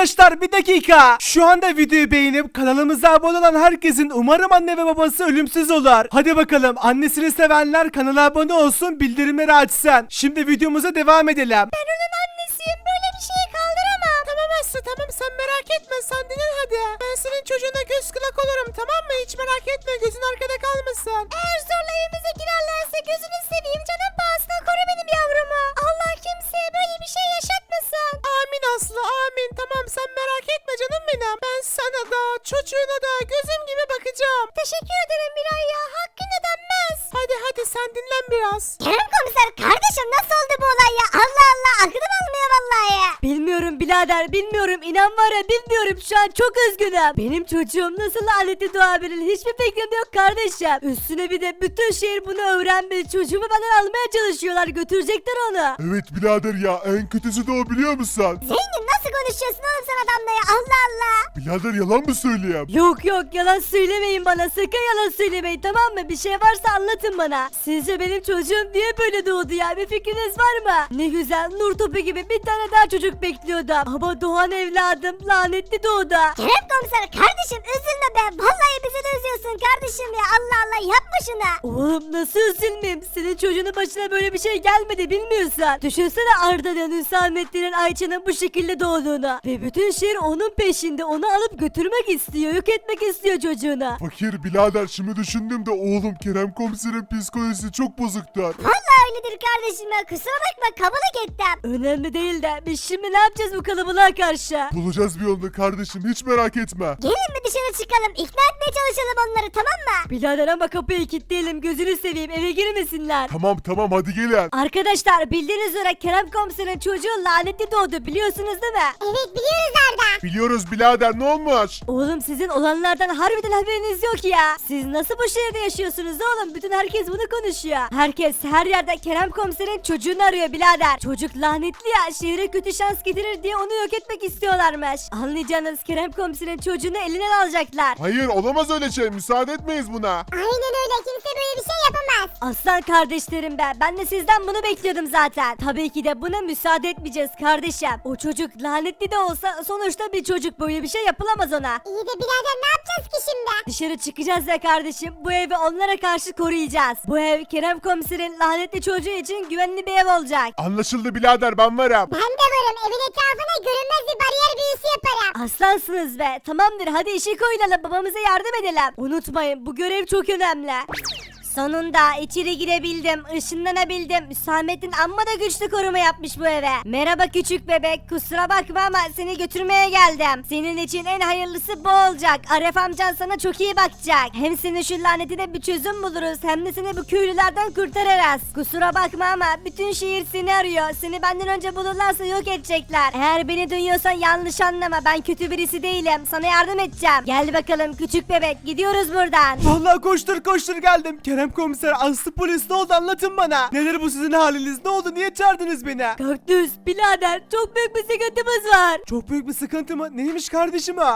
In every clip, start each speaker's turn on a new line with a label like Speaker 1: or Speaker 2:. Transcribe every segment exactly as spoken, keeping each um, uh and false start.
Speaker 1: Arkadaşlar bir dakika. Şu anda videoyu beğenip kanalımıza abone olan herkesin umarım anne ve babası ölümsüz olur. Hadi bakalım, annesini sevenler kanala abone olsun, bildirimleri açsın. Şimdi videomuza devam edelim.
Speaker 2: Ben onun annesiyim. Böyle bir şeyi kaldıramam. Tamam Aslı, tamam, sen merak etme. Sen dinle hadi. Ben senin çocuğuna göz kulak olurum, tamam mı? Hiç merak etme. Gözün arkada kalmasın. Eğer zorla evimize girerlerse gözünü seveyim. Canım pahasına koru benim yavrumu. Allah kimseye böyle bir şey yaşatmasın. Amin Aslı, amin. Tamam, sen merak etme canım benim. Ben sana da çocuğuna da gözüm gibi bakacağım. Teşekkür ederim Miray ya. Hakkın ödenmez. Hadi hadi sen dinlen biraz.
Speaker 3: Kerem komiser, kardeşim nasıl oldu bu olay ya? Allah Allah, aklım almıyor vallahi ya.
Speaker 4: Bilmiyorum birader, bilmiyorum, inan var ya, bilmiyorum, şu an çok üzgünüm. Benim çocuğum nasıl lanetli doğabilir, hiçbir fikrim yok kardeşim. Üstüne bir de bütün şehir bunu öğrenmiş, çocuğumu benden almaya çalışıyorlar, götürecekler onu.
Speaker 5: Evet birader ya, en kötüsü de o, biliyor musun?
Speaker 3: Zengin, nasıl konuşuyorsun oğlum sen adamla ya? Allah Allah.
Speaker 5: Birader yalan mı söyleyeyim?
Speaker 4: Yok yok, yalan söylemeyin bana, sakın yalan söylemeyin, tamam mı? Bir şey varsa anlatın bana. Sizce benim çocuğum niye böyle doğdu ya, bir fikriniz var mı? Ne güzel nur topu gibi bir tane daha çocuk bekliyordum. Ama doğan evladım lanetli doğdu.
Speaker 3: Kerem komiser, kardeşim üzülme be. Vallahi bizi de üzüyorsun kardeşim ya. Allah Allah, yapma şunu.
Speaker 4: Oğlum nasıl üzülmeyeyim? Senin çocuğunun başına böyle bir şey gelmedi, bilmiyorsan. Düşünsene Arda'nın, Hüsamettin'in, Ayça'nın bu şekilde doğduğunu. Ve bütün şehir onun peşinde, onu alıp götürmek istiyor, yok etmek istiyor çocuğunu.
Speaker 5: Fakir birader, şimdi düşündüm de oğlum Kerem komiserin psikolojisi çok bozuktur.
Speaker 3: Vallahi öyledir kardeşim ya. Kusura bakma, kabul ettim.
Speaker 4: Önemli değil de biz şimdi ne yapacağız bu kalabalığa karşı?
Speaker 5: Bulacağız bir yolunu kardeşim, hiç merak etme.
Speaker 3: Gelin mi dışarı çıkalım, ikna etmeye çalışalım onları, tamam mı?
Speaker 4: Birader ama kapıyı kilitleyelim, gözünü seveyim, eve girmesinler.
Speaker 5: Tamam tamam, hadi gelin.
Speaker 4: Arkadaşlar bildiğiniz üzere Kerem komiserin çocuğu lanetli doğdu, biliyorsunuz değil mi?
Speaker 3: Evet, biliyoruz Arda.
Speaker 5: Biliyoruz birader, ne olmuş?
Speaker 4: Oğlum sizin olanlardan harbiden haberiniz yok ya. Siz nasıl bu şehirde yaşıyorsunuz oğlum? Bütün herkes bunu konuşuyor. Herkes her yerde Kerem komiserin çocuğunu arıyor birader. Çocuk lanetli ya, şehre kötü şans getirir diye onu yok etmek istiyorlarmış. Anlayacağınız Kerem komiserin çocuğunu elinden alacaklar.
Speaker 5: Hayır, olamaz öyle şey, müsaade etmeyiz buna.
Speaker 3: Aynen öyle, kimse böyle bir şey yapamaz.
Speaker 4: Aslan kardeşlerim be, ben de sizden bunu bekliyordum zaten. Tabii ki de buna müsaade etmeyeceğiz kardeşim. O çocuk lanetli de olsa sonuçta bir çocuk, böyle bir şey yapılamaz ona.
Speaker 3: İyi de birader, ne yapacağız ki şimdi?
Speaker 4: Dışarı çıkacağız ya kardeşim, bu evi onlara karşı koruyacağız. Bu ev Kerem komiserin lanetli çocuğu için güvenli bir ev olacak.
Speaker 5: Anlaşıldı birader, ben varım.
Speaker 3: Ben de varım, evin etrafına görünmez bir bariyer büyüsü yaparım.
Speaker 4: Aslansınız be, tamamdır, hadi işi koyulalım, babamıza yardım edelim. Unutmayın, bu görev çok önemli. Sonunda içeri girebildim, ışınlanabildim. Hüsamettin amma da güçlü koruma yapmış bu eve. Merhaba küçük bebek, kusura bakma ama seni götürmeye geldim. Senin için en hayırlısı bu olacak. Aref amcan sana çok iyi bakacak. Hem senin şu lanetine bir çözüm buluruz, hem de seni bu köylülerden kurtarırız. Kusura bakma ama bütün şehir seni arıyor. Seni benden önce bulurlarsa yok edecekler. Eğer beni duyuyorsan yanlış anlama, ben kötü birisi değilim. Sana yardım edeceğim. Gel bakalım küçük bebek, gidiyoruz buradan.
Speaker 1: Vallahi koştur koştur geldim. Kerem komiser, Aslı polis, ne oldu, anlatın bana. Neler bu sizin haliniz, ne oldu, niye çağırdınız beni?
Speaker 4: Kaktüs birader, çok büyük bir sıkıntımız var.
Speaker 1: Çok büyük bir sıkıntı mı? Neymiş kardeşim ha?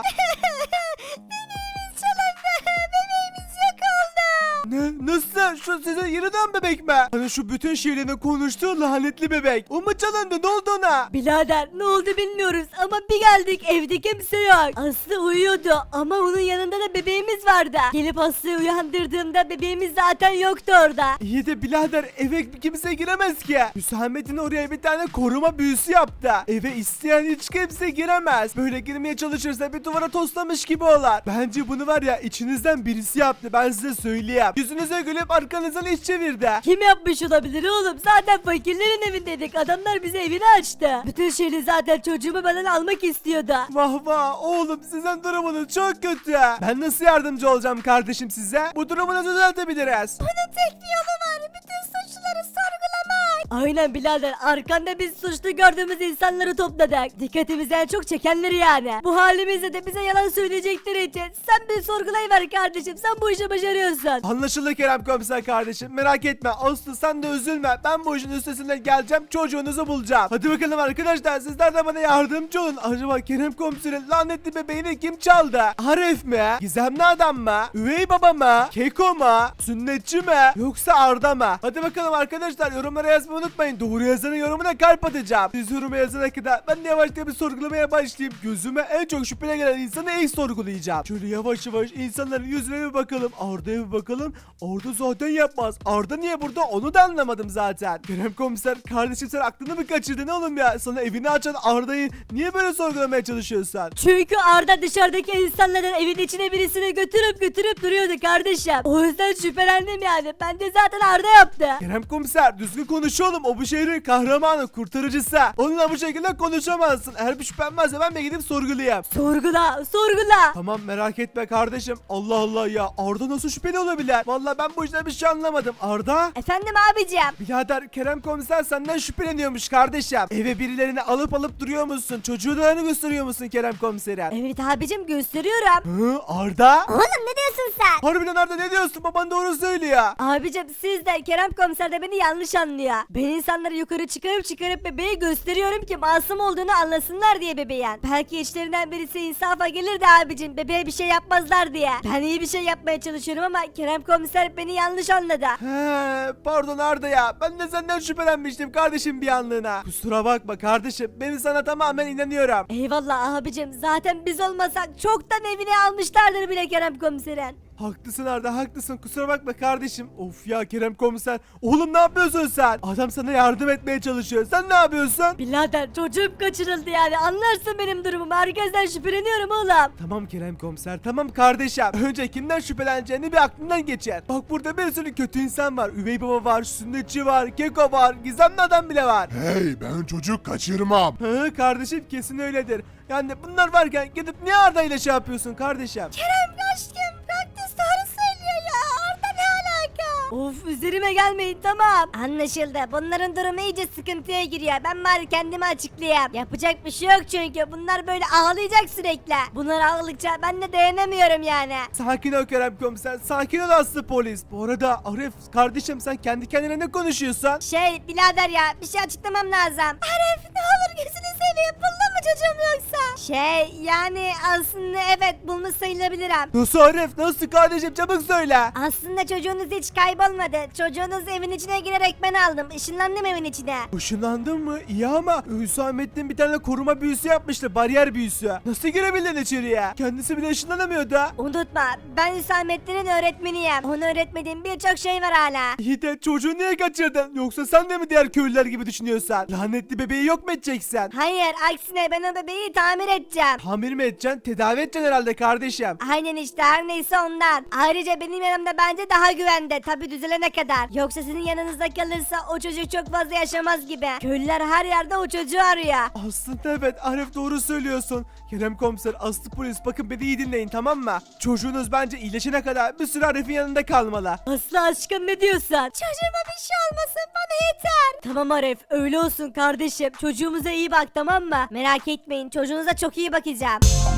Speaker 1: Ne? Nasıl? Şu size yeniden bebek mi? Hani şu bütün şehirde konuştuğu lanetli bebek. O mu çalındı? Ne oldu ona?
Speaker 4: Birader ne oldu bilmiyoruz ama bir geldik, evde kimse yok. Aslı uyuyordu ama onun yanında da bebeğimiz vardı. Gelip Aslı'yı uyandırdığımda bebeğimiz zaten yoktu orada.
Speaker 1: İyi de birader, eve kimse giremez ki. Hüsamettin oraya bir tane koruma büyüsü yaptı. Eve isteyen hiç kimse giremez. Böyle girmeye çalışırsa bir duvara toslamış gibi olar. Bence bunu var ya, içinizden birisi yaptı, ben size söyleyeyim. Yüzünüze gülüp arkanızdan iş çevirdi.
Speaker 4: Kim yapmış olabilir oğlum? Zaten fakirlerin evindeydik. Adamlar bize evini açtı. Bütün şehri zaten çocuğumu benden almak istiyordu.
Speaker 1: Vah vah oğlum, sizin durumunuz çok kötü. Ben nasıl yardımcı olacağım kardeşim size? Bu durumu nasıl düzeltebiliriz?
Speaker 3: Bunun tek bir yolu var, bütün suçluları sorgulamak.
Speaker 4: Aynen birader, arkanda biz suçlu gördüğümüz insanları topladık. Dikkatimizi en çok çekenleri yani. Bu halimizde de bize yalan söyleyecekleri için sen bir sorgulayıver kardeşim, sen bu işi başarıyorsun.
Speaker 1: Anlaşıldı Kerem komiser kardeşim, merak etme. Aslı sen de üzülme, ben bu işin üstesinden geleceğim, çocuğunuzu bulacağım. Hadi bakalım arkadaşlar, sizler de bana yardımcı olun. Acaba Kerem komiserin lanetli bebeğini kim çaldı? Aref mi? Gizemli adam mı? Üvey baba mı? Keko mu? Sünnetçi mi? Yoksa Arda mı? Hadi bakalım arkadaşlar, yorumlara yazmayı unutmayın. Doğru yazanın yorumuna kalp atacağım. Siz yorumu yazana kadar ben de yavaşça bir sorgulamaya başlayayım. Gözüme en çok şüphene gelen insanı ilk sorgulayacağım. Şöyle yavaş yavaş insanların yüzüne bir bakalım. Arda'ya bir bakalım. Arda zaten yapmaz. Arda niye burada onu da anlamadım zaten. Kerem komiser kardeşim sen aklını mı kaçırdın oğlum ya? Sana evini açan Arda'yı niye böyle sorgulamaya çalışıyorsun?
Speaker 4: Çünkü Arda dışarıdaki insanların evin içine birisini götürüp götürüp duruyordu kardeşim. O yüzden şüphelendim yani. Ben de zaten Arda yaptı.
Speaker 1: Kerem komiser düzgün konuş oğlum. O bu şehrin kahramanı, kurtarıcısı. Onunla bu şekilde konuşamazsın. Eğer bir şüphen varsa ben de gidip sorgulayayım.
Speaker 4: Sorgula, sorgula.
Speaker 1: Tamam merak etme kardeşim. Allah Allah ya. Arda nasıl şüpheli olabilir? Vallahi ben bu işten bir şey anlamadım. Arda?
Speaker 4: Efendim abicim.
Speaker 1: Birader Kerem komiser senden şüpheleniyormuş kardeşim. Eve birilerini alıp alıp duruyor musun? Çocuğunu gösteriyor musun Kerem komisere?
Speaker 4: Evet abicim gösteriyorum.
Speaker 1: Hı, Arda?
Speaker 3: Oğlum ne diyorsun sen?
Speaker 1: Harbiden Arda ne diyorsun? Baban doğru söylüyor.
Speaker 4: Abicim siz de Kerem komiser de beni yanlış anlıyor. Ben insanları yukarı çıkarıp çıkarıp bebeği gösteriyorum ki masum olduğunu anlasınlar diye bebeğin. Belki içlerinden birisi insafa gelir de abicim bebeğe bir şey yapmazlar diye. Ben iyi bir şey yapmaya çalışıyorum ama Kerem komiser beni yanlış anladı.
Speaker 1: He, pardon Arda ya. Ben de senden şüphelenmiştim kardeşim bir anlığına. Kusura bakma kardeşim. Ben sana tamamen inanıyorum.
Speaker 4: Eyvallah abicim zaten biz olmasak çoktan evine almışlardır bile Kerem komiserin.
Speaker 1: Haklısın Arda haklısın kusura bakma kardeşim. Of ya Kerem komiser. Oğlum ne yapıyorsun sen? Adam sana yardım etmeye çalışıyor. Sen ne yapıyorsun?
Speaker 4: Birader çocuğum kaçırıldı yani anlarsın benim durumumu. Herkesten şüpheleniyorum oğlum.
Speaker 1: Tamam Kerem komiser tamam kardeşim. Önce kimden şüpheleneceğini bir aklından geçer. Bak burada bir sürü kötü insan var. Üvey baba var, sünnetçi var, keko var, gizemli adam bile var.
Speaker 5: Hey ben çocuk kaçırmam.
Speaker 1: Hı kardeşim kesin öyledir. Yani bunlar varken gidip niye Arda ile şey yapıyorsun kardeşim?
Speaker 3: Kerem aşkım praktis doğru söylüyor ya. Arda ne alaka?
Speaker 4: Of üzerime gelmeyin tamam. Anlaşıldı. Bunların durumu iyice sıkıntıya giriyor. Ben bari kendimi açıklayayım. Yapacak bir şey yok çünkü. Bunlar böyle ağlayacak sürekli. Bunlar ağladıkça ben de dayanamıyorum yani.
Speaker 1: Sakin ol Kerem komiser. Sakin ol Aslı polis. Bu arada Arif kardeşim sen kendi kendine ne konuşuyorsun?
Speaker 4: Şey birader ya bir şey açıklamam lazım.
Speaker 3: Arif ne olur gözünü seveyim. Buldun mu çocuğum yoksa?
Speaker 4: Şey yani aslında evet bulmuş sayılabilirim.
Speaker 1: Nasıl Arif? Nasıl kardeşim? Çabuk söyle.
Speaker 4: Aslında çocuğunuz hiç kaybolmadı. Çocuğunuz evin içine girerek ben aldım. Işınlandım evin içine.
Speaker 1: Işınlandın mı? İyi ama Hüsamettin bir tane koruma büyüsü yapmıştı. Bariyer büyüsü. Nasıl girebildin içeriye? Kendisi bile ışınlanamıyordu.
Speaker 4: Unutma ben Hüsamettin'in öğretmeniyim. Ona öğretmediğim birçok şey var hala.
Speaker 1: İyi de çocuğu niye kaçırdın? Yoksa sen de mi diğer köylüler gibi düşünüyorsan? Lanetli bebeği yok mu edeceksin?
Speaker 4: Hayır aksine ben o bebeği tamir edeceğim.
Speaker 1: Tamir mi edeceksin? Tedavi edeceksin herhalde kardeşim.
Speaker 4: Aynen işte her neyse ondan. Ayrıca benim yanımda bence daha güvende. Tabi düzelene kadar. Yoksa sizin yanınızda kalırsa o çocuk çok fazla yaşamaz gibi. Köylüler her yerde o çocuğu arıyor.
Speaker 1: Aslında evet Arif doğru söylüyorsun. Kerem komiser, Aslı polis bakın beni iyi dinleyin tamam mı? Çocuğunuz bence iyileşene kadar bir süre Arif'in yanında kalmalı.
Speaker 4: Aslı aşkım ne diyorsun?
Speaker 3: Çocuğuma bir şey olmasın bana yeter.
Speaker 4: Tamam Arif öyle olsun kardeşim. Çocuğumuza iyi bak tamam mı? Merak etmeyin çocuğunuza çok iyi bakacağım.